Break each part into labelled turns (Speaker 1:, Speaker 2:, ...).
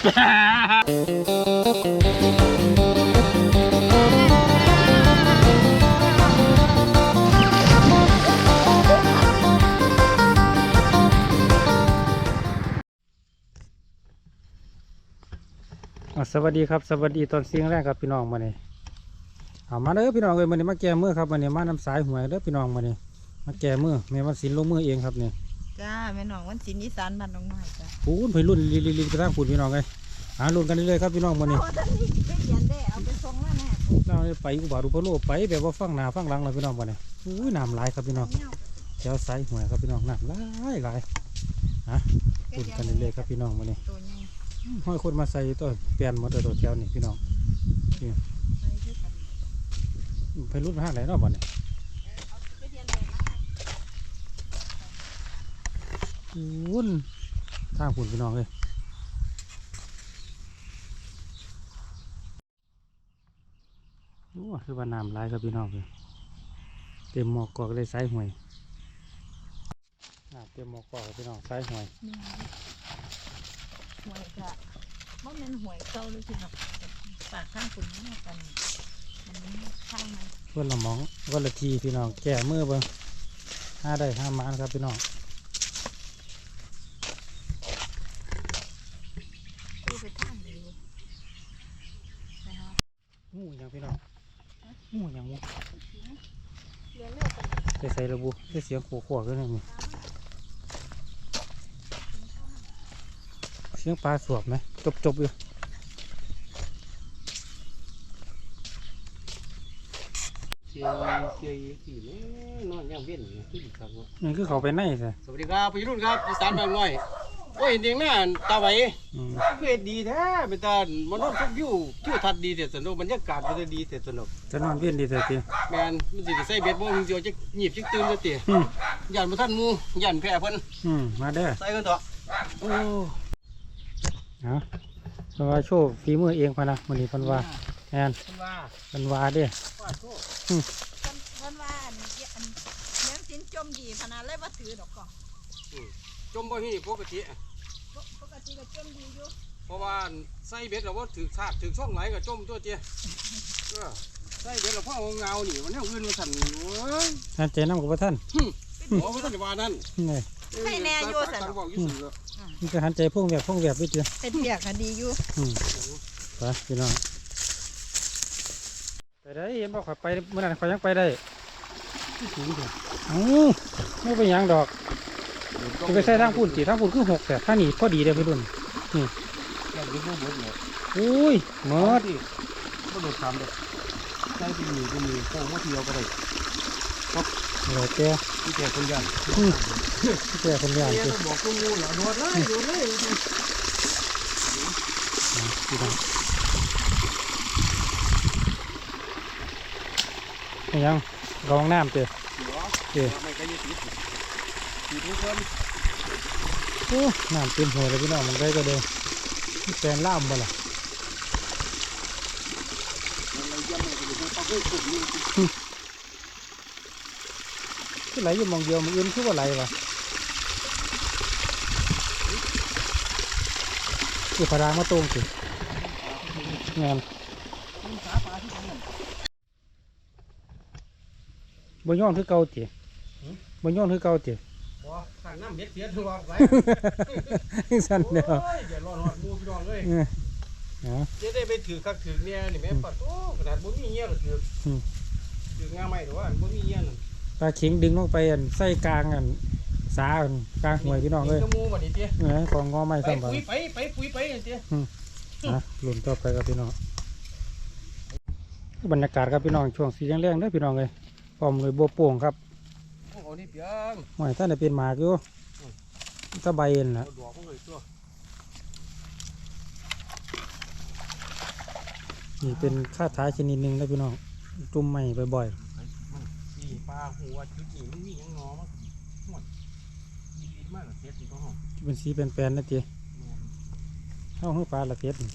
Speaker 1: สวัสดีครับสวัสดีตอนเสียงแรกครับพี่น้องมาเนี่ยมาเด้อพี่น้องเลยมาเนี่ยมาแก้มือครับมาเนี่ยมาน้ำสายหวยเด้อพี่น้องมาเนี่ยมาแก้มือแม่วันศิลป์ลงมือเองครับเนี่ย
Speaker 2: จ้าแม่น้องวันศิลป์อีสานบ้านน้องน้อยจ้า
Speaker 1: พูนไปรุ่นลีไปทางพูนพี่น้องเลยรุ่นกันเรื่อยๆครับพี่น้องมาเนี่ย
Speaker 2: เอาไปส่งมาแน่
Speaker 1: เราไปอุบารุปโลไปแบบว่าฟังหน้าฟังหลังเลยพี่น้องมาเนี่ยน้ำไหลครับพี่น้องแถวสายหวยครับพี่น้องน้ำไหลพูนกันเรื่อยๆครับพี่น้องมาเนี่ยห้อยคนมาใส่ตัวเปลี่ยนหมดตัวแถวนี่พี่น้องไปรุ่นห้างไหนเนาะบ่เนี่ยวุ่นทางฝุ่นพี่น้องเลยโอ้คือว่าน้ำไหลครับพี่น้องเลยเต็มหมอกกอกเลยสายหวยเต็มหมอกกอกพี่น้องสายหวย
Speaker 2: หวยจ้ะว่ามันหวยเก่าเลยพี่น้องปากข้างฝุ่นนี่กันมันข้างไหม
Speaker 1: เพื่อนละมองวันละทีพี่น้องแก่เมื่อเบิ่งห้าได้ห้าม้านครับพี่น้อง
Speaker 2: ไปทางดีนะครับ
Speaker 1: งูยังพี่น้องงูยังงู
Speaker 2: เรียนเร็วกัน
Speaker 1: ใส่ระบุได้เสียงขวๆกันเลยมั้ยเสียงปลาสวบไหมจบอยู่
Speaker 3: เชียสี่นอนย่างเว้นขึ้นครับ
Speaker 1: นี่คือเขาไปไหนสิ
Speaker 3: สวัสดีครับพี่รุ่นครับอีสานบางน้อยโอ้ยเด็กน่าตาไหวเพื่อดีแท้เป็นตามันนอนทุกวิวทัดดีเสียสนุกบรรยากาศมันดีเสียสนุก
Speaker 1: จะนอนเวียนดีเสียที
Speaker 3: แมนมันสิใส่เบ็ดบ่มึงเดียวจะหยิบจิกตื่นจะเตะยันมาท่านมูยันแพ้เพิ่น
Speaker 1: มาเด้อ
Speaker 3: ใส่กันเถอะโอ้
Speaker 1: เพราะว่าโชว์ฝีมือเองพะนะวันนี้พันว่าแอนพันว่าเด้อ
Speaker 2: พันว่าเลี้ยงสินจมดีขนาดเลยว่าถือดอกก่อน
Speaker 3: จมบ่ฮีปกติ
Speaker 2: ก็จมดีอยู่
Speaker 3: เพราะว่าใส่เบ็ดเราว่าถือชาติถือช่องไหลกับจมตัวเตี้ยใส่เบ็ดเราพ่อเงาหนิมันเนี่ยอื่นมาสั่น
Speaker 1: ท่านเจน้ำกับท่าน
Speaker 3: โอ้ท่านว่านั่น
Speaker 2: ให้แน่อยู่สั่น
Speaker 1: นี่ก็หันใจพุ่งแบบวิจิตร
Speaker 2: เป็นเบียกกันดีอยู่
Speaker 1: ไปพี่น้องไปได้เห็นบอกขับไปเมื่อนั้นเขายังไปได้ไม่ไปยังดอกจะไปใส่ทางปุ่นจีทางปุ่นคือ6แต่ถ้าหนีพอดีเลยพี่รุ่นนี่อุ้ยเมื่อ
Speaker 3: ที่ก็โดดซ้ำเลยใส่ไปมีโค้งว่าเที่ยวก็ได้
Speaker 1: ครับเหลือแก
Speaker 3: ที่แกคนยัน
Speaker 1: ที่แกคนยัน
Speaker 3: ที่บอกกูงูเหรอโดดเลย
Speaker 1: พี่น้องยังรองน้ำเจอ
Speaker 3: ไม่ใช่ยี่สิบทุกคน
Speaker 1: น้ำเต็มหัวเลยพี่น้องมันได้ก็เดินแปลนล่ามบ่ล่ะที่ไหลอยู่มองเดียวมันอื่นคือว่าไหลวะคือพารางมาตรงสิงานบนย้อนคือเก่าจีบนย้อนคือเก่าจี
Speaker 3: สั่งน้ำเบ็ดเสียถือว่าไว้
Speaker 1: สั่นเดียว
Speaker 3: เดี๋ยวรอมูพี่น้องเลยจะได้ไปถือคักถือเนี่ยนี่แม่ปัดโอ้ขนาดบ่มีเงี้ยก็ถืองาไม่หรือว่าบ่มีเงี้ย
Speaker 1: ปลาเข็งดึงลงไปใส่กลางสากลางหวยพี่น้องเลย
Speaker 3: มูบัดนี้เตี้ย
Speaker 1: ของงอไม่ซ้ำ
Speaker 3: ไปปุ๋ยไปเตี้ย
Speaker 1: หลุนต่อไปครับพี่น้องบรรยากาศครับพี่น้องช่วงสีแรงๆได้พี่น้องเลยพร้อมเลยบัวโป่งครับ
Speaker 3: โอ้นี่เปียง
Speaker 1: หอยท่านจะเป็นหมากอยู่ตะใบเอ็นนะนี่เป็นข้าท้ายชนิดหนึ่งนะพี่น้องจุ่มใหม่บ่อย
Speaker 3: ๆนี่ปลาหัวจุดนี้มันมียังงอมั้งหมดดีมากเลยเสียสีก็หอม
Speaker 1: เป็นสีเป็นแปลนนะเจ๊เข้าห้องปลาละเทียด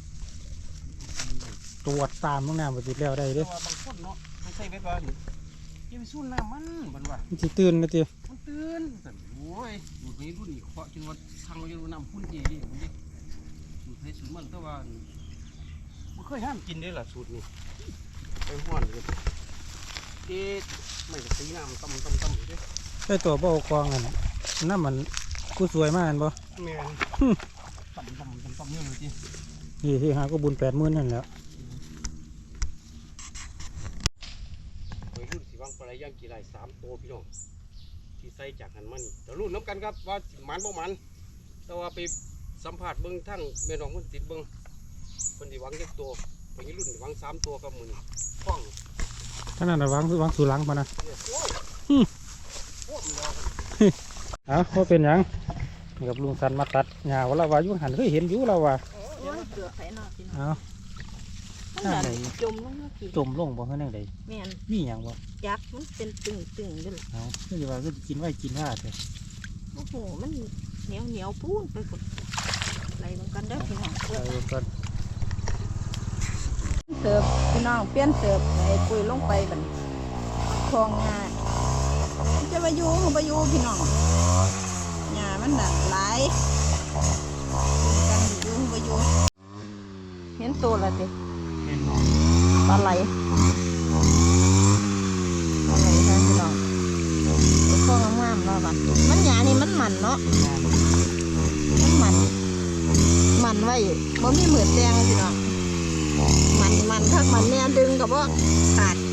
Speaker 1: ตรวจตามห้องน้ำปฏิแล้วได้ด้วย
Speaker 3: บางคนเนาะไม่ใช่เบ็ดว่ายังไปสู้น้ำมันเหมือนว่า
Speaker 1: มันจะตื่นนะเจ๊
Speaker 3: มันตื่นโอ้ยดูนี้รุ่นนี้เคาะจนว่าทางเราจะรู้น้ำพุ่นเย่ดิมันดิในสูตรมันแต่ว่าไม่เคยห้ามกินได้ล่ะสูตรนี้ไปห้อนเลยไม่กระสีน้ำต้มอยู่ด้วย
Speaker 1: ไอ้ตัวบ่เอากองอันน้ำมันกูสวยมากอันบ่
Speaker 3: แม่นต้มเยอะเลยจี
Speaker 1: นี่ที่หาก็บุญ80,000นั่นแหล้ว
Speaker 3: ไปรุ่นสีวังปลาไหลย่างกี่ไร3 ตัวพี่น้องที่ใส่จากหันมันแต่รุ่นน้ำกันครับว่ามันบ่มันแต่ว่าไปสัมผัสเบิ้งทั้งแม่น้องมันติดเบิ้งคนที่หวังเล็กตัวไปรุ่นหวัง3 ตัวกับมือนี่คล้อง
Speaker 1: ขนาดวางสู่หลังพอนะ
Speaker 3: เนี่ยโอ้ยโอ้ยมันรอกัน
Speaker 1: เอาว่าเป็นหยังนี่กับลุงสันมาตัดหญ้าว่าเราว่าอยู่หันเคยเห็นอยู่เราว่า
Speaker 2: โอ้ยเสือไข่นอกพี่น้อง
Speaker 1: เอา
Speaker 2: มันแบบจมลงมาพี่
Speaker 1: จมลงบ่เฮ็ดจังได
Speaker 2: แม่น
Speaker 1: มีหยังบ่
Speaker 2: ยักษ์มันเป็นตึงด้วยล่ะ
Speaker 1: เอาคือว่าคือกินไว้กินว่าเถอะ
Speaker 2: โอ้โหมันเหนียวปูนไปกดอะไรบางกันเด้อพี่น้อง
Speaker 1: เอาก่อน
Speaker 2: เสิร์ฟพี่น้องเปลี่ยนเสิร์ฟไอ้ปุ๋ยลงไปบัดคลองงาจะไปอยู่พี่น้องหญ้ามันน่ะหลายกันอยู่เห็นตัวละติ
Speaker 1: เห็น
Speaker 2: ปลาไหลค่ะพี่น้องตัวคลองงามๆเนาะบัดมันหญ้านี่มันมันเนาะมันไว้บ่มีเหมือนแดงพี่น้องมันถ้ามันแน่ดึงกับว่าขาด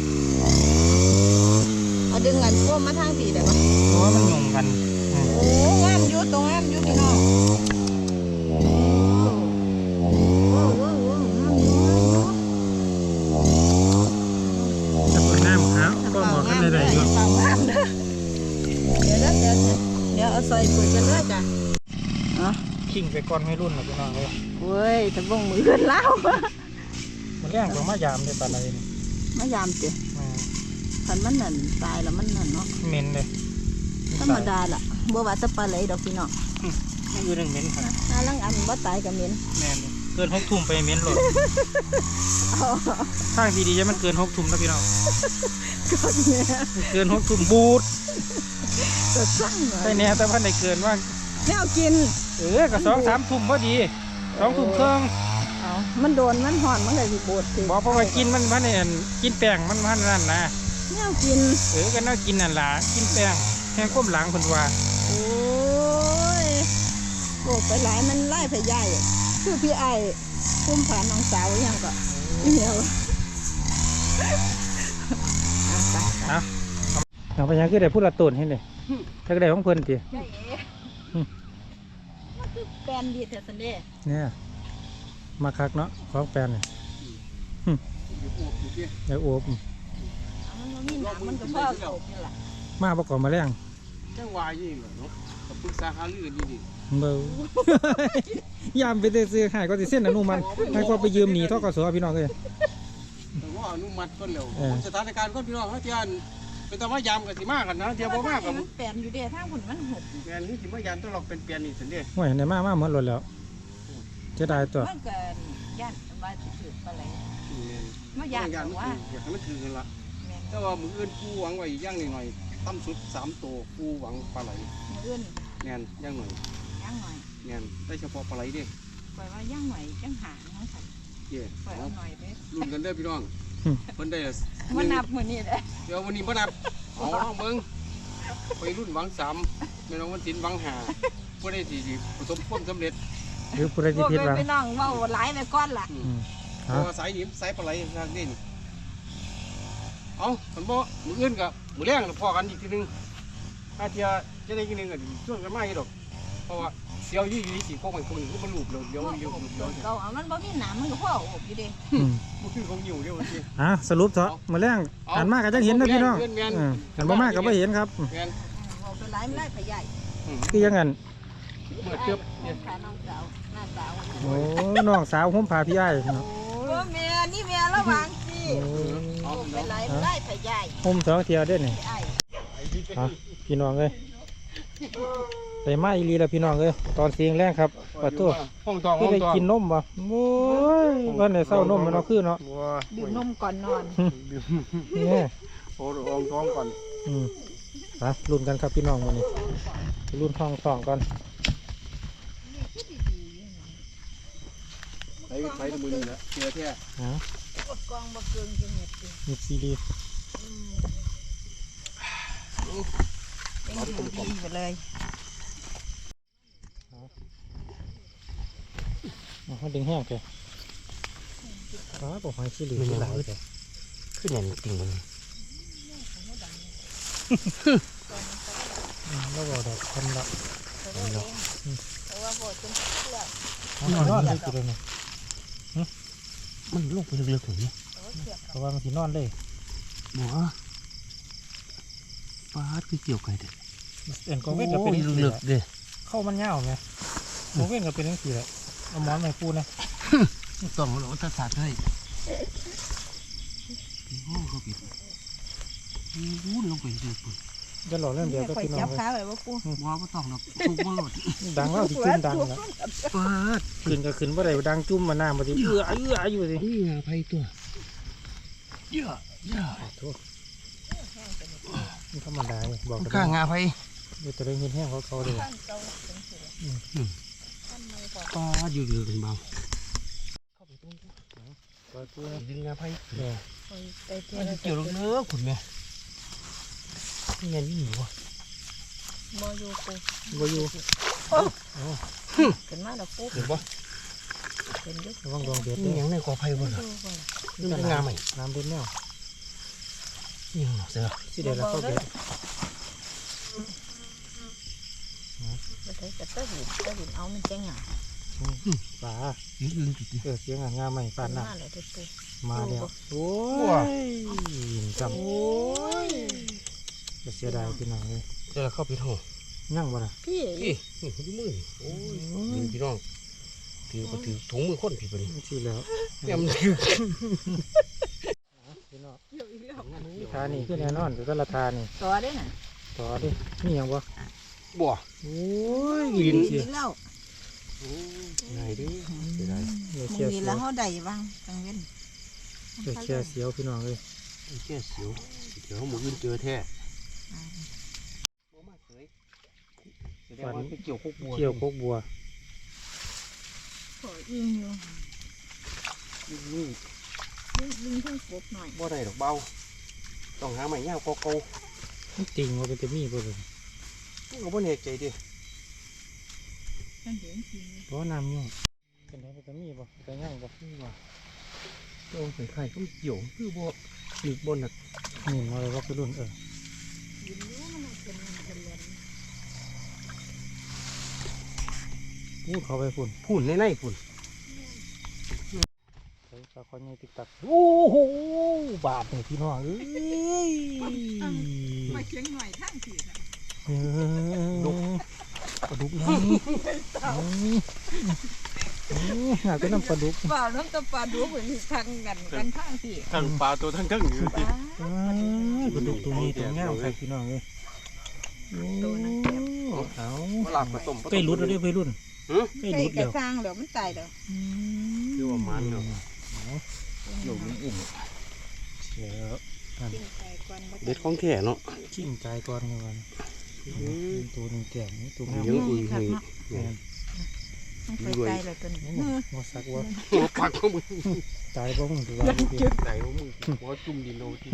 Speaker 2: เอาดึงกันพวกมาทางผีได้ปะ
Speaker 1: เพราะว่ามันยงกัน
Speaker 2: โอ้งามอยู่ตรงงามอยู่พี่น้องโอ้
Speaker 1: จะเปิดน้ำครับก็บอกกันได้อยู่
Speaker 2: เปล่างามเด้อเดี๋ยวเอาใส่ปุ๋ยกันเลยจ้ะอ๋อ
Speaker 1: ขิงไปก่อนไม่รุ่นหรอกพี่น้องเลย
Speaker 2: เว้ยแต่บ่งมือกันแล้ว
Speaker 1: มันแรงกว่ามายามเลยปานอะไรนี่
Speaker 2: มายามเจ้คันมันนั่นตายแล้วมันนั่นเนาะ
Speaker 1: เหม็นเลย
Speaker 2: ธรรมดาล่ะบ่ว่าจะปลาไหลดอกพี่น้อง
Speaker 1: ไม่อยู่หนึ่งเหม็นค่ะ
Speaker 2: ถ้าลังอันบ่ตายก็เหม็น
Speaker 1: แม่นเลยเกิน6 ทุ่มไปเหม็นหลดทางที่ดีจะมันเกิน6 ทุ่มนะพี่น้อง
Speaker 2: ก็เนี่ย
Speaker 1: เกิน6 ทุ่มบูด
Speaker 2: จะสั่งหน่อ
Speaker 1: ใช่
Speaker 2: ย
Speaker 1: เนี่ยแต่พันในเกินว่า
Speaker 2: แนวกิน
Speaker 1: ก็2-3 ทุ่มพอดี2 ทุ่มครึ่ง
Speaker 2: เอามันโดนมันห่อนมันก็สิโบดสิ
Speaker 1: บอกเพราะว่ากินมันพันเนี่ยกินแป้งมันพันนั่นนะ
Speaker 2: แนวกิน
Speaker 1: ก็น่ากินนั่นล่ะกินแป้งแห้งก้มหลังคนว่า
Speaker 2: โอ้ยโบกไปหลายมันไล่พยายคือพี่ไอ้พุ่มผ่านน้องสาวยังก็เหี่ยวอ่ะไป
Speaker 1: เอาไปยังคือได้พูดละตุนให้เลยถ้าก็ได้ของเพิ่นติ
Speaker 2: ใช่เอ๋มันคือแปลนดีแต่สันเดย์
Speaker 1: เนี่ยมาคักเนาะของแปลนเนี่ย
Speaker 3: อยู่อวบอยู่ที่
Speaker 1: เดี๋ยวโอบ
Speaker 2: มันบ่มีหนังมันก็พ่อโบกนี่แหละ
Speaker 1: มาประกอบมาแรง
Speaker 3: แจ้งวายนี่เหรอเนาะกับปรึกษาหารือดี
Speaker 1: เบา ยามไปซื้อหายก็สิเส้นอนุมันให้ก็ไปยืมหนีทกสพี่น้องเลย
Speaker 3: แต่ว่าอนุมัติก็เร็ว
Speaker 1: เออ
Speaker 3: สถานการณ์ก็พี่น้องเขาเทียนเป็นตะว่ายามกันสิมากกันนะเทียบบ่มากกับ
Speaker 2: มันแปลนอยู่เด้ทางผลมันหก
Speaker 3: แปลนนี้สิมายามต้องหลอกเป็นแปลนนี่สินเด้
Speaker 1: โอ้ยในมาหมดรถแล้วจะได้ตัว
Speaker 2: มันเกินย่านว่าสิถือปลาไหลมา
Speaker 3: อยา
Speaker 2: ย่าก น
Speaker 3: มัน
Speaker 2: ว่า
Speaker 3: อยากให้มันถือกันละ
Speaker 2: แม่น
Speaker 3: แต่ว่ามืออื่นกูหวังไว้ย่างหน่อยตั้มสุด3 ตัวกูหวังปลาไหล
Speaker 2: มื้ออื่น
Speaker 3: แน่นย่างหน่อย
Speaker 2: ย่างหน่อย
Speaker 3: แน่นได้เฉพาะปลาไหลดิ
Speaker 2: ปล่อยว่าย่างหน่อยจังหาของฉัน
Speaker 3: เย่
Speaker 2: ปล่อยเอาหน่อยเด้
Speaker 3: รุ่นกันเด้อพี่น้องเพิ่นได้
Speaker 2: มันนับมื้อนี้เด้
Speaker 3: เดี๋ยววันนี้บ่นับเอาน้องเบิ่งไปรุ่นหวัง3แม่น้องวันศิลป์หวัง5บ่ได้สิประสบความสำเร็จ
Speaker 1: หรือผู้ใด
Speaker 2: พ
Speaker 1: ที่
Speaker 2: วก
Speaker 1: ผิดหวัง
Speaker 2: ไปน้องเว้าหลายไปก่อนล่ะ
Speaker 3: เพราะว่าสายนี้สายปลาไหลทางนี้นี่เอาคันบ่มื้ออื่นก็มื้อแรงพอกันอีกทีนึงถ้าเที่ยจะได้กินนึงก็ชวนกันมาอีกดอกเพราะว่าเสียวอยู่สิพวกมันคงบ่รูปเลยเดี๋ยวเดี๋ยว
Speaker 2: เก่าเอามันบ่มีหนามมันก็พ่ออบอยู่เด้
Speaker 3: บ่คือของอยู่เดี๋ยวสิ
Speaker 1: สรุปเถอะมาแรงหันมากก็จะเห็นนะพี่น้องหันบ่มากก็ไม่เห็นครับ
Speaker 3: แม่น
Speaker 2: เว้าไปหลายมันไล่พยาย
Speaker 1: คือยังไง
Speaker 3: เมื่อเทียบ
Speaker 2: ขาน้องสาวหน้าสาว
Speaker 1: โอ้น้องสาวผมพาพี่ไอ้เนาะ
Speaker 2: โอ้แม่นี่แม่ระวังสิ
Speaker 3: เอา
Speaker 2: ไปหลายมันไล่พยาย
Speaker 1: ผม2 เที่ยวเด้นี่
Speaker 2: พี่ไอ้
Speaker 1: พี่น้องเอ้ยใส่มาอีหลีแล้วพี่น้องเอ้ยตอนเสียงแรงครับปะตัว
Speaker 3: ห้องทอง
Speaker 1: คือได้กินนมบ่โอ้ยวันไหนเศร้านมมันเอาคือเนาะ
Speaker 2: ดื่มนมก่อนนอน
Speaker 1: เนี่ย
Speaker 3: โอ้ห้องทองก่อน
Speaker 1: ไปรุ่นกันครับพี่น้องวันนี้รุ่นทองก่อน
Speaker 3: ไปตะมือนี่แหละเจอแท้
Speaker 1: ฮะ
Speaker 2: กดกองบ่เกินจังเฮ็ดดิ
Speaker 1: มีซีรีส์
Speaker 2: เป็นหูดีไปเลย
Speaker 1: เขาดึงแห้งแกบอกหอยซีรีส์หลายแก
Speaker 3: ขึ้นอย่างจริงมัน
Speaker 1: แล้วบอกดอกคนละ
Speaker 2: เพราะว่าบ่จนเพื่อ
Speaker 1: นอนเลยกินเลย
Speaker 3: มันลงไปลึกๆถึงนี่
Speaker 1: เพราะว่ามันสินอนเลย
Speaker 3: หมอปลาคือเกี่ยวไก่เด็ด
Speaker 1: เอ็นกองเว้นก็เป็น
Speaker 3: ลึกๆเด้
Speaker 1: เข้ามันเงาไงกองเว้นก็เป็นทั้งสี่แหละเอาหมอนมาปูนะ
Speaker 3: ต้องเราตัดสาดให้โอ้เขาปิดวู้ลงไปลึกๆ
Speaker 1: จะหล่อเรื่องเดียวก็
Speaker 2: ข่อย
Speaker 1: พี่น้อ
Speaker 2: จั
Speaker 1: ง
Speaker 2: บ
Speaker 1: เลย
Speaker 2: ขาไว้บ่ปู
Speaker 3: ว่าไม่ต้องหรอกทุกบ่หลด
Speaker 1: ดังแล้วที่จุ่มดังแล้ว
Speaker 3: ปลา
Speaker 1: ขึ้นก็ขึ้นว่าไรดังจุ่มมาหน้ามาดิเอื้ออยู่สิ
Speaker 3: นี่ไงไผ่ตัวเยอะ
Speaker 1: โทษมันธรรมดาเลยบอกกัน
Speaker 3: ข้างงาไผ่
Speaker 1: เดี๋ยวจะได้เห็นแห้งเขาเลย
Speaker 2: ท่านเก่าเป็นสิท่านไม่พอ
Speaker 3: ปลาอยู่ลึกเป็นเบา
Speaker 1: ปล่อยปูนะ
Speaker 3: ดึงงาไผ่
Speaker 1: เนี่ย
Speaker 2: ข่อยไปเที่ย
Speaker 3: มัน
Speaker 2: ว
Speaker 3: เกี่ยวลึกๆขุนแม่นี่ไงนี่หนูวะ
Speaker 2: บ่อยู่ปู
Speaker 1: บ่อยู่
Speaker 2: ขึ้นมาแล้วปู
Speaker 3: เห็นปะ
Speaker 2: เป็นอยู่
Speaker 1: ระวังดวงเดือด
Speaker 3: นี่
Speaker 1: เนี่ย
Speaker 3: ยังในกอไผ่บ่ล่ะ
Speaker 2: ดูบ่
Speaker 3: นี่เป็นงาใหม่
Speaker 1: น้ำเดือดแนว
Speaker 3: นี่ยังหนอเสือ
Speaker 1: สิเดี๋ยวเราเข้าเดือด
Speaker 2: บ่ได้จะตะหินเอามันจังหยัง
Speaker 1: ปลา
Speaker 3: นี่ลืมจุดนี้
Speaker 1: เสียงงาใหม่ปานน้
Speaker 2: มาแล้วเด้อปู
Speaker 1: ำมาแล้วโอ้ยจำ
Speaker 2: โอ้ย
Speaker 1: จะเสียดายพี่น้องเลย
Speaker 3: เดี๋ยวเราเข้าไปห้อง
Speaker 1: ยั่งบ่ล่ะ
Speaker 2: พี่
Speaker 3: พี่ดูมือโอ้ยยิงพี่น้องถือก็ถือถุงมือคนผิดไปนี่
Speaker 1: ที่แล้ว
Speaker 3: เนี่ยมันถือ
Speaker 1: พี่น้อง
Speaker 2: เกี่ยวอีกแล้ว
Speaker 1: ทานี่คือแน่นอนแต่ละทานี่
Speaker 2: ต่อได้น่ะ
Speaker 1: ต่อดินี่ยังบ่
Speaker 3: บ่
Speaker 1: โอ้ย
Speaker 3: กิน
Speaker 2: กินแล้ว
Speaker 3: ไหนดิเสียดาย
Speaker 1: เดี๋ยว
Speaker 2: มึ
Speaker 1: เชีย
Speaker 2: ง
Speaker 1: ร์
Speaker 2: มี
Speaker 1: เสีย
Speaker 2: แล้ว วเฮาได้บ้างจังเว้น
Speaker 1: เดี๋ยวเชียร์เสียวพี่น้องเลย
Speaker 3: ไอ้แค่เสียวเดี๋ยวหมูอื่นเจอแท้บ่มาเคยแสดงว่าไปเกี่ยวพวกบัว
Speaker 1: เกี่ยวโคกบัว
Speaker 2: ขอยิงอยู่
Speaker 3: นี่
Speaker 2: ยิงเพิ่งกบหน่อย
Speaker 3: บ่ได้ดอกเบาต้องหาใหม่ยาวเก่า
Speaker 1: มันติ่งว่าเป็นจะมีบ่เลย
Speaker 3: ๆก็บ่แน่ใจดิ
Speaker 2: ฉันเห็นจริง
Speaker 1: เพราะน้ำยุ่งเป็นไงเป็นจะมีบ่เป็นยั่งบ่
Speaker 3: นี่ว่าโอ้ยไข่ก็เกี่ยวคือบ่หลีกบนน่ะ
Speaker 1: นี่มาเลยว่าคือรุ่น
Speaker 2: ยิงรู้มันเป็นเล่น
Speaker 1: พูดเขาไปฝุ่น
Speaker 3: พูนในๆพุ่น
Speaker 1: ใส่ปลาคอยใหญ่ติ๊กตักโอ้โหบาดนี่พี่น้องเอ้ย
Speaker 2: มาเชียงหน่อยทั้งทีค่ะ
Speaker 1: ดุปลาดุกนี่หาเป็นน้ำปลาดุก
Speaker 2: เปล่าน้ำตาปลาดูเหมือนทางกันทั้งที
Speaker 3: ทั้งปลาตัวทั้งกึ่งอยู่
Speaker 2: ปลา
Speaker 1: ปลาดุกตัวนี้ตัวงามครับพี่น้องเลย
Speaker 2: ตัวนั้นเก็บ
Speaker 1: เอา
Speaker 3: หลากผสม
Speaker 1: ใกล้รุดแล้วเด้อไปรุ่นใกล้
Speaker 2: ใกล้
Speaker 1: รุด
Speaker 2: กระ
Speaker 1: แล้ว
Speaker 2: สร้างแล้วมันตายแล้ว
Speaker 3: คือว่ามันเนาะอยู่มันอุ่ม
Speaker 1: เดี๋ยว
Speaker 2: กินไก่กวน
Speaker 3: เด็ดของแท้เนาะ
Speaker 1: ชิมใจก่อนกันตัวหนึ่งแก่งตัวงาม
Speaker 3: เยอะอุ้ยเฮ้ย
Speaker 2: ไปไกลเลยตัวนี้
Speaker 1: ว่าสักว่า
Speaker 3: หัวปากของมึง
Speaker 1: ตายบ่มึงตัว
Speaker 3: ไหนของมึงหัวจุ่มดินโนที่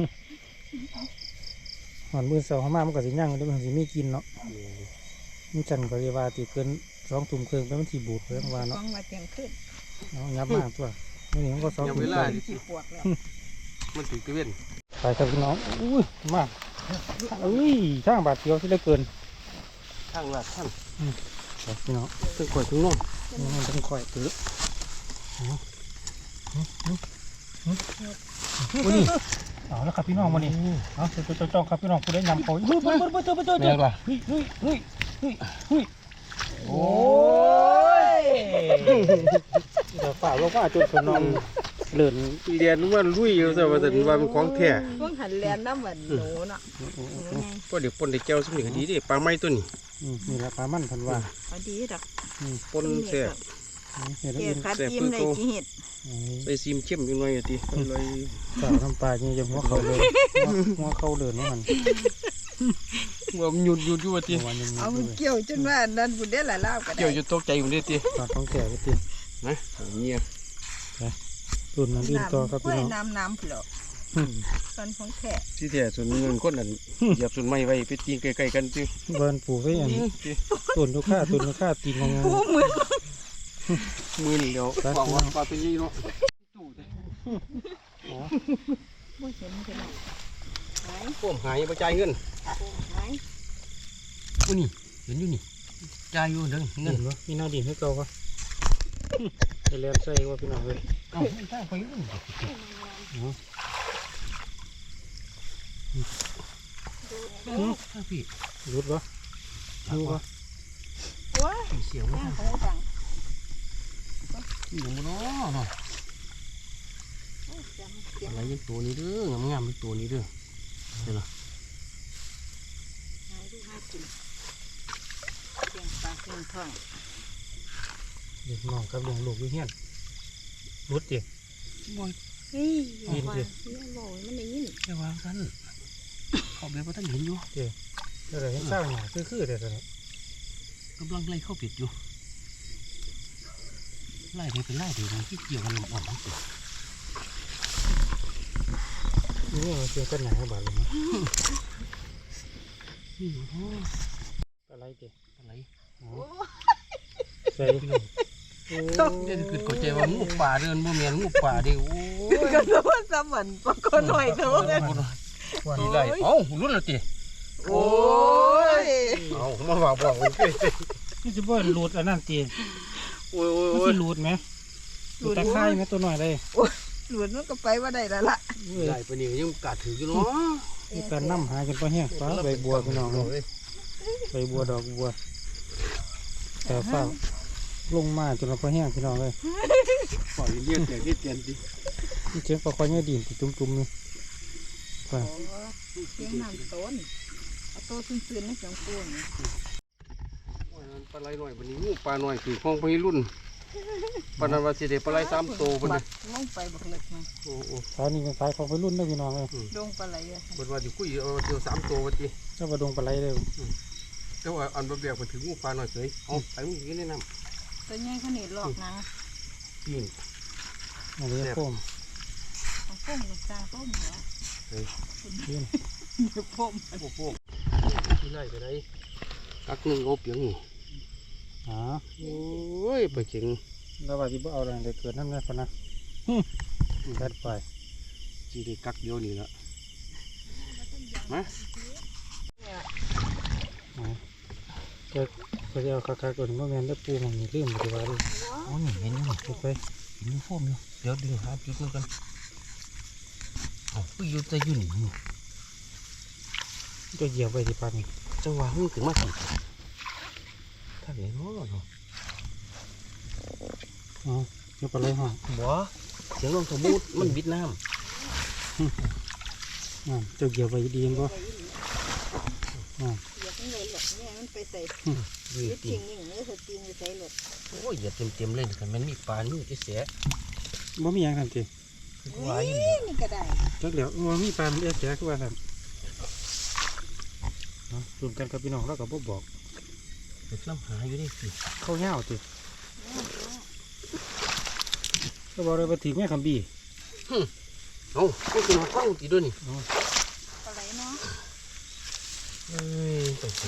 Speaker 1: หอนมือเสาเข้ามามันก็สิย่างแล้วมันสิมีกินเนาะมันจันก็เรียกว่าตีเกิน2 ทุ่มครึ่งไปมันสิบูดเพิ่นว่า
Speaker 2: ฟ้
Speaker 1: เนาะ
Speaker 2: องมาเตียงขึ้น
Speaker 1: เนาะยับมากตัวนี่มันก็2 ทุ่มครึ่ง
Speaker 2: ที่ปวดแล้ว
Speaker 3: มันถือตะเวน
Speaker 1: ไปครับพี่น้องอุ้ยมาอุ้ยช่างบาดเดียวที่เหลือเกิน
Speaker 3: ข้างละท่าน
Speaker 1: ไปพี่น้อง
Speaker 3: ถึงก่อนถึงน้อง
Speaker 1: มันต้องคอยตื้อโอ้ยเอาแล้วครับพี่น้องมานี่เอาจ้องครับพี่น้องผู้ได้ยำเขาเฮ้ยเฮ้ย
Speaker 3: แม่ล่ะ
Speaker 1: เฮ้ยเฮ้ยเฮ้ยเฮ้ยเฮ้ยโอ้ยเดี๋ยวฝ่าลงมาจนขนมเลื่อน
Speaker 3: เรียนว่าลุยอยู่แต่ว่าแต่ว่ามันของแท้
Speaker 2: พวกหันแลนน้ำเหมือนหนูเนาะ
Speaker 3: พอเดี๋ยวปนได้แก้วสมิงดีดิปลาไม้ตัวนี้
Speaker 1: นี่แหละปลามันพันว่า
Speaker 2: พอดีดอก
Speaker 3: ปนแท้
Speaker 1: เห็ด
Speaker 2: เกี่
Speaker 1: อิ
Speaker 2: ยวน คัดยิ้มเลยกี่เห็ด
Speaker 3: ใส่ซีมเข้มจังหน่อยอ่ะติเลย
Speaker 1: สาวน้ำปลาเนี่ยยังหัวเขาเลยหัวเขาเดินว่ามัน
Speaker 3: ว่ามันหยุดอยู่ว่าติ
Speaker 1: วันยัง
Speaker 2: เอาเกี่ยวจนว่านั่นบุญได้หลายรอบก็ได้
Speaker 3: เกี่ยวอยู่ตกใจอยู่เด้ติ
Speaker 1: ตอนต้องแก่ไปติ
Speaker 3: นะเนี่ย
Speaker 1: รุ่นนั้นดินต่อครับ
Speaker 2: กล้
Speaker 1: พี่
Speaker 2: วย
Speaker 1: น้อง
Speaker 2: น้ำเปล่าตอนของแท้
Speaker 3: ที่แท้ส่วนเงินคนนั้นเหยียบส่วนไม้ไว้ไปตีใกล้ๆกันจิ
Speaker 1: เบิร์นปลูกไว้อย่างนี้ต้นลูกค้าตีงง
Speaker 2: ผู้มือ
Speaker 3: มือนี่เดียวบอกว่าปลาเป็นยี่เนาะ
Speaker 1: อ๋อ
Speaker 2: บ่เห็นพี่น้องหาย
Speaker 3: พวกหายไปจ่ายเงิน
Speaker 2: หาย
Speaker 3: อุ้ยนี่เห็นอยู่นี่จ่ายอยู่เด้อเงิ
Speaker 1: เห็
Speaker 3: น
Speaker 1: นวะมีหน้าดินให้เก่าปะไปเรียนใส่ว่าพี่น้องเลย
Speaker 3: เอ้าไม่ได้ไปอยู่พี่
Speaker 1: รุดปะดูปะ
Speaker 2: ว้า
Speaker 3: เสียว
Speaker 2: ย่างของจัง
Speaker 3: อยู่บนน้อเนาะ
Speaker 2: จำเสียง
Speaker 3: อะไรยังตัวนี้เด้องามๆเป็นตัวนี้เด้อเดี๋ยวนะ
Speaker 2: หายดูหากินเสียงปลาเสียงท้อง
Speaker 1: เด็กน้องกับเลี้ยงลูกอยู่เฮียนรุดดิ
Speaker 2: เฮ้ย
Speaker 1: ยินดิ
Speaker 2: โอ้ยมันได้ยิน
Speaker 3: แค่วางกันเขาเบี้ยว่าท่านเห็นอยู่
Speaker 1: เดี๋ยวเห็นเศร้าหน่าคือเดี๋ยวนี้
Speaker 3: กำลังไล่เข้าปิดอยู่ไล่ไปเป็นไล่เดี๋ยวที่เกี่ยวกันลมอ่อนสิ
Speaker 1: นี่มันเกี่ยวกันหนาบาดเลยนะ
Speaker 3: นี่โอ้
Speaker 1: อะไรดิ
Speaker 3: อะไร
Speaker 1: ใส่
Speaker 3: พี่น้องเด่นคือเข้าใจว่างูป่าเดินบ่แม่นงูป่าเด้โอ้ย
Speaker 2: ก็รู้ว่าสมันปะก็หน่อยเถอะกัน
Speaker 3: ทีไรเอ้ารุ่นละติ
Speaker 2: โอ้ย
Speaker 3: เอามาว่าบอกมันเด้
Speaker 1: นี่จะบ่รูดอันนั้นตี
Speaker 3: โอ้ย
Speaker 1: มัน
Speaker 3: โอ้
Speaker 1: สิ
Speaker 3: ย
Speaker 1: รูดไหมรูดตะไคร้ไหมตัวหน่อยเลย
Speaker 2: หลุดมันก็ไปว่าได้แล้วล่ะ
Speaker 3: ไล่ไปนี่ยังกัดถืออยู่เนาะ
Speaker 1: มีการนั่หากันปะเฮียฟ้าใบบัวพี่น้องเลยใบบัวดอกบัวแต่ฟ้าลงมาจนเราปะเฮียพี่น้องเลย
Speaker 3: ปล่อยเลี้ยงแต่ที่เตียนดิ
Speaker 1: นี่เจ๊ปลาคอยเนี่ยดินติดจุ่มๆนี่ไป
Speaker 2: เสียงน้ำต้นเอาโตซื่นๆในเสียงปูน
Speaker 3: ปลาไหลหน่อยวันนี้งูปลาหน่อยคือของไปรุ่นปลานันวาสิเดปลาไหล3 ตัวพุ่น
Speaker 2: บั
Speaker 3: น่ะ
Speaker 2: กลงไปบักเล็กมา
Speaker 3: โอ้โห
Speaker 1: สายนี้เป็นสายของวัยรุ่นนะพี่น้องเลย
Speaker 2: ลงปลาไหลอะ
Speaker 3: เพิ่นว่าสิคุยเอาเดียว3 ตัวว่าติ
Speaker 1: เจ้าปลาดงปลาไหลเลย
Speaker 3: แต่ว่าอันบ่แบกมันถึงงูปลาหน่อยเฉยเอาไปมึงกินได้น้ำ
Speaker 2: ตัวใหญ่ขนาดหลอกหนัง
Speaker 3: ปีน
Speaker 1: อันนี้โค้ม
Speaker 2: เอาพุ่มลูกตาพุ่มเหรอ
Speaker 1: ยื่น
Speaker 2: เดี๋ยวพุ่ม
Speaker 3: โอ้โหที่ไล่ไปได้กักหนึงโอ้เปียงนี่
Speaker 1: อ๋อ
Speaker 3: โอ้ยไปเก่ง
Speaker 1: แล้วว่าที่บ่เอาอะไรเดี๋ยวเกิดน้ำแน่พอนะแค่ไป
Speaker 3: สิได้กักเดียวนี่ละมา
Speaker 1: ก็ก็จะเอาคาๆก่อนว่าแมนได้ปูมันมีเรื่องอะไรบ้าง
Speaker 3: โอ้นี่เห็นอยู่นี่
Speaker 1: ไป
Speaker 3: เห็นอยู่โฟมอยู่เดี๋ยวดึงหาจุดนึงกันเอาคืออยู่แต่อยู่นี่
Speaker 1: ก็เหยียบไปที่ปัน
Speaker 3: จังหวะมันถึงมาสิถ้าเห็นโอ้เนาะ
Speaker 1: อ๋อนี่ปลาไหลห้อง
Speaker 3: บ่เสียงลมสมูทมันบิดน้
Speaker 1: เจ้าเหยียบไปดีนบ่
Speaker 2: อย่าเพิ่งเลยหลดเนี่ยมันไปใส่
Speaker 3: ำ
Speaker 2: ยึดทิ้งนี่เนื้อสตีนไปใส่หลด
Speaker 3: โอ้ยอย่าเต็มๆเลยกันมันมีปลานี่จะเสีย
Speaker 1: บ่มีอย่างทันที
Speaker 3: คือว่าอยู่
Speaker 2: นี่นี่ก็ได้
Speaker 1: จักเดี๋ยวบ่มีปลาเสียคือว่าท่านรวมกันกับพี่น้องแล้วก็บ่บอก
Speaker 3: เด็กน้ำหาอยู่นี่สิ
Speaker 1: เข้าเงาติก็บอกเลยว่าถือแม่คำบี
Speaker 3: เอาก็คือมาฟังตีด้วยนี่
Speaker 2: ปลาไหลเนาะ
Speaker 3: เอ้ยไปสิ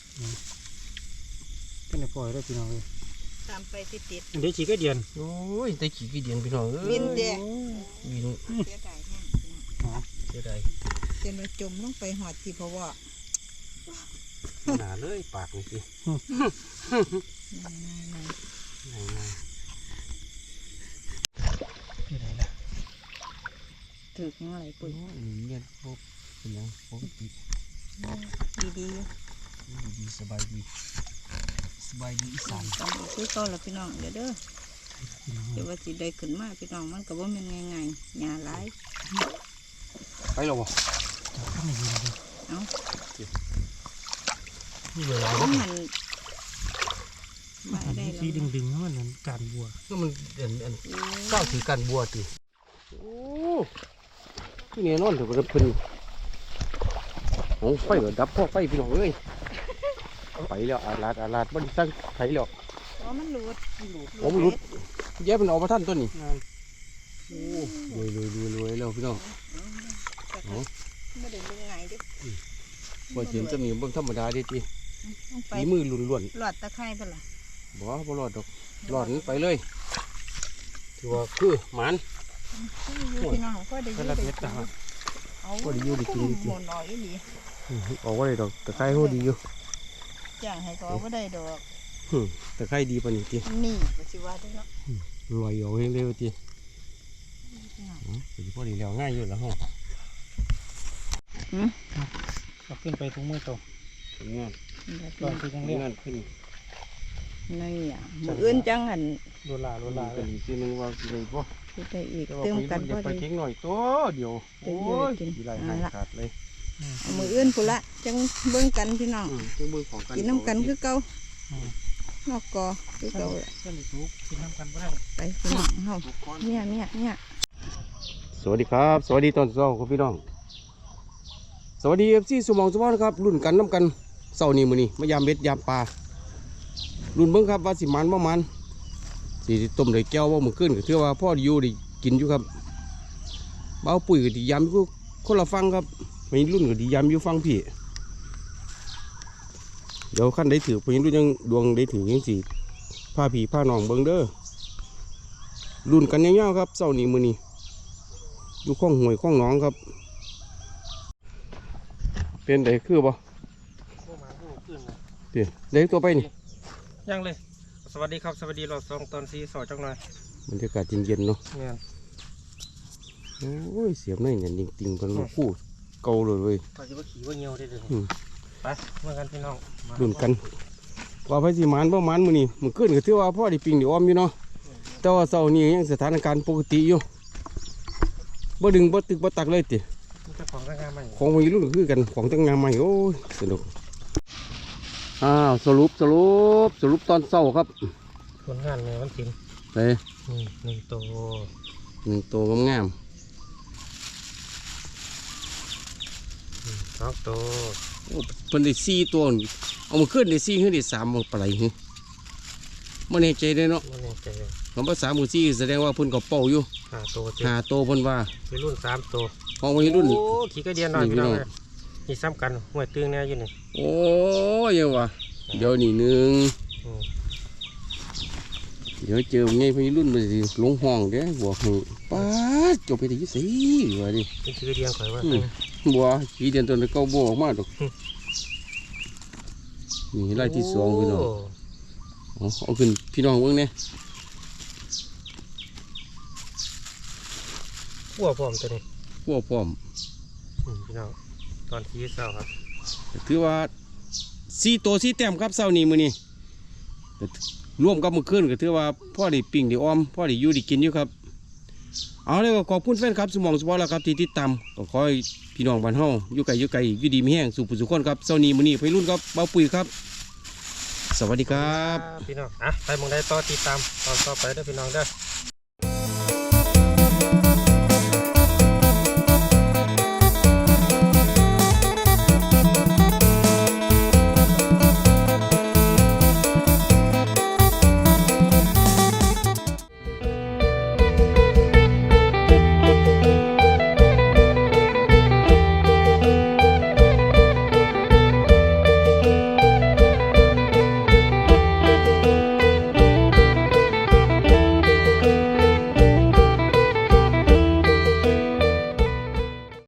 Speaker 1: เป็นปล่อยได้พี่น้องเลย
Speaker 2: ตามไปติด
Speaker 1: เดี๋ยวฉีกก็เดียน
Speaker 3: โอ้ยแต่ขี้กี่เดียนพี่น้องเอ้ย
Speaker 2: บินเดะ
Speaker 3: บิน
Speaker 2: เสียดายแห้ง
Speaker 3: เสียดาย
Speaker 2: เจนมาจมลงไปหอดที่เพราะว่า
Speaker 3: หนาเลยปากนี่สิ
Speaker 2: นาย
Speaker 3: ไหน
Speaker 1: ที่ไหนล่ะ
Speaker 2: ถือยังไง
Speaker 3: ๆ
Speaker 2: ปุ๋ย
Speaker 3: โอ้ยนี่เนี่ยพวกเป็นหยังปกติ
Speaker 2: ดี
Speaker 3: ดีๆสบายดีสบายดีอีสาน
Speaker 2: ๆตอนนี้ซื้อก้อนละพี่น้องเดี๋ยวเด้อเดี๋ยวว่าสิได้ขึ้นมาพี่น้องมันก็บ่แม่นง่ายๆหญ้าหลาย
Speaker 3: ไปหรอวะ
Speaker 1: ก็ไม่ยินเลย
Speaker 2: เอ้า
Speaker 3: นี่เวลา
Speaker 2: ต้
Speaker 3: แล้
Speaker 2: อ
Speaker 3: ว
Speaker 2: งหันมาได้
Speaker 1: สี
Speaker 2: แล้ว
Speaker 1: ดึงๆมันเหมือนการบัว
Speaker 3: ก็มันอันก้าวถือกันบัวติโอ้ที่นี่นอนเถอะเพิ่นโอ้ไฟก็ดับพ่อไฟพี่น้องเอ้ยไปแล้วอาลาดบ่ได้สั่งไผแล้ว
Speaker 2: อ๋อมันหลุด
Speaker 3: โอ้มันหลุดแย่มันออกมาท่านตัวนี้
Speaker 1: งาน
Speaker 3: โอ้รวยแล้วพี่น้อง
Speaker 2: ไม่ได้ลงไงดิ
Speaker 3: บ่เห็นจะมีเบิ่งธรรมดาดิติ
Speaker 2: ลงไป
Speaker 3: ฝีมือล้วน
Speaker 2: หลอดตะไคร้ไปละ
Speaker 3: ๆบ่รอดดอกรอดนั้นไปเลยถือว่าคือหมัน
Speaker 2: อยู่พี่น้องก็ได้
Speaker 1: เป็นระเบียบตา
Speaker 2: เอาหมุนออกอีหลี
Speaker 3: ออกว่าได้ดอกตะไคร้โหดีอยู่
Speaker 2: จ้างให้ก็บ่ได้ดอก
Speaker 3: ตะไคร้ดีปานนี้ติ
Speaker 2: นี่ก็สิว่าได้เนาะ
Speaker 3: รวยเอาเองเลยว่าติพอดีแล้วง่ายอยู่แล้วห้อง
Speaker 1: เอาขึ้นไปทุกมือโต
Speaker 3: งาน
Speaker 1: ตอนที่ยังเรียก
Speaker 3: งานขึ้น
Speaker 2: นี่อ่ะมื้ออื่นจังหัน
Speaker 1: โดนลา
Speaker 3: เป็นอีกทีนึงว่าสิได้บ่
Speaker 2: สิได้อีก
Speaker 3: แต่ว่า
Speaker 2: เติม
Speaker 3: ไป
Speaker 2: กัน
Speaker 3: อย่า
Speaker 2: บ่
Speaker 3: ไป
Speaker 2: ได้
Speaker 3: ทิ้งหน่อยตัวเดียวโอ้ยสิไหลหายขาดเลย
Speaker 2: เอามื้ออื่นพุ่นละจังเบิ่งกันพี่น้อง
Speaker 3: เครื่องมือของกัน
Speaker 2: กินน้ำกันคือเก่า นอกกอคือเก่าล่ะ
Speaker 1: เส้นซุปกินน้ำกันบ่ได้
Speaker 2: ไปพี่น้องเฮาเนี่ย
Speaker 3: สวัสดีครับ สวัสดีตอนเช้าครับพี่น้อง สวัสดีFCสมองสมองนะครับรุ่นกันน้ำกันเช้านี้มื้อนี้มายามเบ็ดยามปลารุ่นเบิ่งครับว่าสิมันบ่มันสิต้มได้แก้วบ่มื้อคืนก็ถือว่าพ่ออยู่ได้กินอยู่ครับเบาปุ๋ยก็สิยามอยู่คนละฟังครับมีรุ่นก็สิยามอยู่ฟังพี่เดี๋ยวคันได้ถือเพิ่นรุ่นยังดวงได้ถือจังสิพาพี่พาน้องเบิ่งเด้อรุ่นกันยาวๆครับเช้านี้มื้อนี้อยู่ข้องห้วยข้องหนองครับเป็นไดคือบ่
Speaker 1: พวกมาพวกขึ้นนะ
Speaker 3: เดี๋ยวได้ตัวไปนี่
Speaker 1: ยังเลย สวัสดีครับสวัสดีเรา2ตอน4สอจังหน่อย
Speaker 3: บรรยากาศเย็นๆเนาะ
Speaker 1: เนี่ย
Speaker 3: โอ้ยเสียบหน่อยเนี่ยจริงๆเป็นลูกคู่เก่าเลยเว้ย
Speaker 1: ก็จะว่าขี่ว่าเงียวได้เลย
Speaker 3: อืม
Speaker 1: ไปเมื่อกันพี่น้องมา
Speaker 3: รุ่นกันว่าไปสิหมานบ่หมานมื้อนี้มื้อคืนก็ถือว่าพ่อได้ปิงได้อ้อมอยู่เนาะแต่ว่าเช้านี้ยังสถานการณ์ปกติอยู่บ่ดึงบ่ตึกบ่ตักเลยติ
Speaker 1: มีเจ้าของร่างกายใหม่
Speaker 3: ของวัยรุ่นก็คือกันของตั้งงานใหม่โอ้ยสนุกสรุปตอนเช้าครับ
Speaker 1: ผลงานในวันศิลป์
Speaker 3: ไป
Speaker 1: นี่1ตัว
Speaker 3: 1ตัวงาม
Speaker 1: 2ตัว
Speaker 3: ๆโอ้เพิ่นได้4ตัวนี่เอามาขึ้นได้4ขึ้นได้3บ่ปานใดหึบ่แน่ใจเด้เนาะ
Speaker 1: มันยังใจ
Speaker 3: คำว่า3 กับ4แสดงว่าเพิ่นก็เป้าอยู่
Speaker 1: 5ตัวเต็ม
Speaker 3: 5ตัวเพิ่นว่า
Speaker 1: วัยรุ่น3ตัว
Speaker 3: ของวัยรุ่น
Speaker 1: โอ้ขี่กระเดียนหน่อย
Speaker 3: นี่
Speaker 1: พี่น้อง
Speaker 3: พี่น้อง
Speaker 1: เลยนี่ซ้ำกันห่วยตึงแน่อยู่นี่
Speaker 3: โอ้ยยังวะเดี๋ยวนี่หนึง
Speaker 1: อืม
Speaker 3: เดี๋ยวเจอไงวัยรุ่นมันสิลงห้องเด้บอกให้ป้าดจบไปได้ยี่สิว่าดิ
Speaker 1: เป็นขี่กระเดียนข่อยว่า
Speaker 3: บัวขี่เดือนตัวนี้เก้าบัวออกมาดอกนี่ไล่ที่2พี่น้องเอาขึ้นพี่น้องเบิ่งเนี่ย
Speaker 1: ขั้วพร้อมตัวนี้
Speaker 3: พวกพร้อม
Speaker 1: พี่น้องตอนที่เช้าครับ
Speaker 3: ถือว่า4ตัว4แต้มครับเช้านี้มื้อนี้ก็ร่วมกับมื้อคืนก็ถือว่าพ่อได้ปิ้งได้อ้อมพ่อได้อยู่ได้กินอยู่ครับเอาเลยก็ขอบคุณแฟนครับสมองสปอร์ตแล้วครับที่ติดตามก็ขอให้พี่น้องบ้านเฮาอยู่ไกลอยู่ดีมีแห้งสู่ผู้สุขคนครับเช้านี้มื้อนี้ไปรุ่นครับเบาปุ๋ยครับ สวัสดีครับ
Speaker 1: พี่น้องไปมองได้ต่อติดตามตอนต่อไปเด้อพี่น้องเด้อ